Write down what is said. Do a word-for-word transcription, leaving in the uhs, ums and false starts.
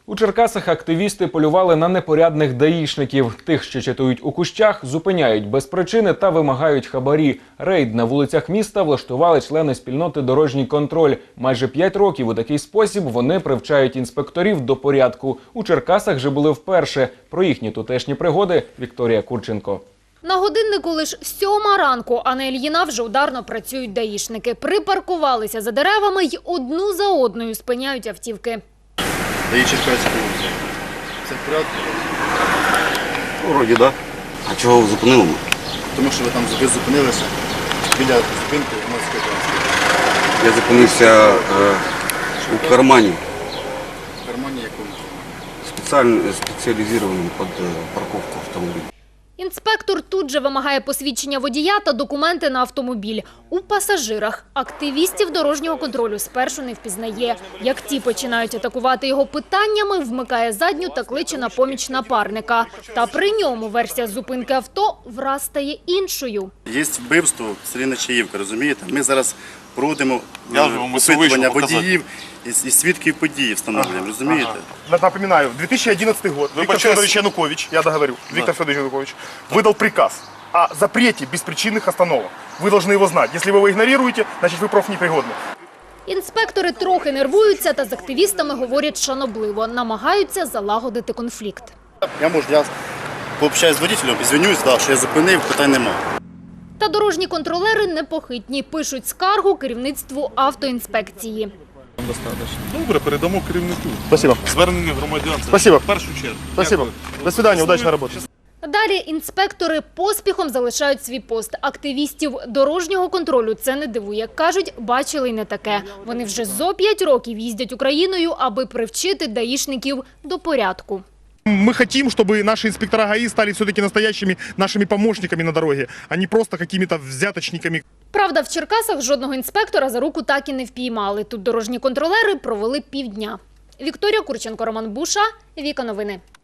У Черкасах активісти полювали на непорядних даїшників. Тих, що чатують у кущах, зупиняють без причини та вимагають хабарі. Рейд на вулицях міста влаштували члени спільноти «Дорожній контроль». Майже п'ять років у такий спосіб вони привчають інспекторів до порядку. У Черкасах же були вперше. Про їхні тутешні пригоди Вікторія Курченко. На годиннику лише сьома ранку, а на Ільїна вже ударно працюють даїшники. Припаркувалися за деревами й одну за одною спиняють автівки. ДАІ Черкаська вулиця. Все в порядку? Вроді, так. Да. А чого ви зупинили? Тому що ви там ви зупинилися біля зупинки громадського транспорту. Я зупинився е, у кармані. В кармані якому? Спеціально, спеціалізованому під парковку автомобіля. Інспектор тут же вимагає посвідчення водія та документи на автомобіль. У пасажирах активістів дорожнього контролю спершу не впізнає. Як ті починають атакувати його питаннями, вмикає задню та кличе на поміч напарника. Та при ньому версія зупинки авто враз стає іншою. Є вбивство в селі Нечаївка, розумієте? Ми зараз проводимо Я ж вам усе опитування вийшов водіїв і, і свідків події встановлюємо, розумієте? Ага. Напоминаю, в две тысячи одиннадцатый год Вы Виктор большой... Федорович Янукович, я договорю, да. Виктор Федорович Янукович выдал приказ о запрете беспричинных остановок. Вы должны его знать. Если вы его игнорируете, значит вы профнепригодны. Інспектори трохи нервуються та з активістами говорять шанобливо, намагаються залагодити конфлікт. Я можу, я пообщаюсь з водителем, звінюсь, да, що я зупинив, питань нема. Та дорожні контролери непохитні, пишуть скаргу керівництву автоінспекції. Добре, передамо керівнику. Спасибо. Звернення громадян. Це Спасибо. в першу чергу. Спасибо. Дякую. До свидания, удачной работы. Далі інспектори поспіхом залишають свій пост. Активістів дорожнього контролю це не дивує. Кажуть, бачили й не таке. Вони вже зо п'ять років їздять Україною, аби привчити даїшників до порядку. Мы хотим, чтобы наши инспектора ГАИ стали все-таки настоящими нашими помощниками на дороге, а не просто какими-то взяточниками. Правда, в Черкасах жодного інспектора за руку так і не впіймали. Тут дорожні контролери провели півдня. Вікторія Курченко, Роман Буша, Віка Новини.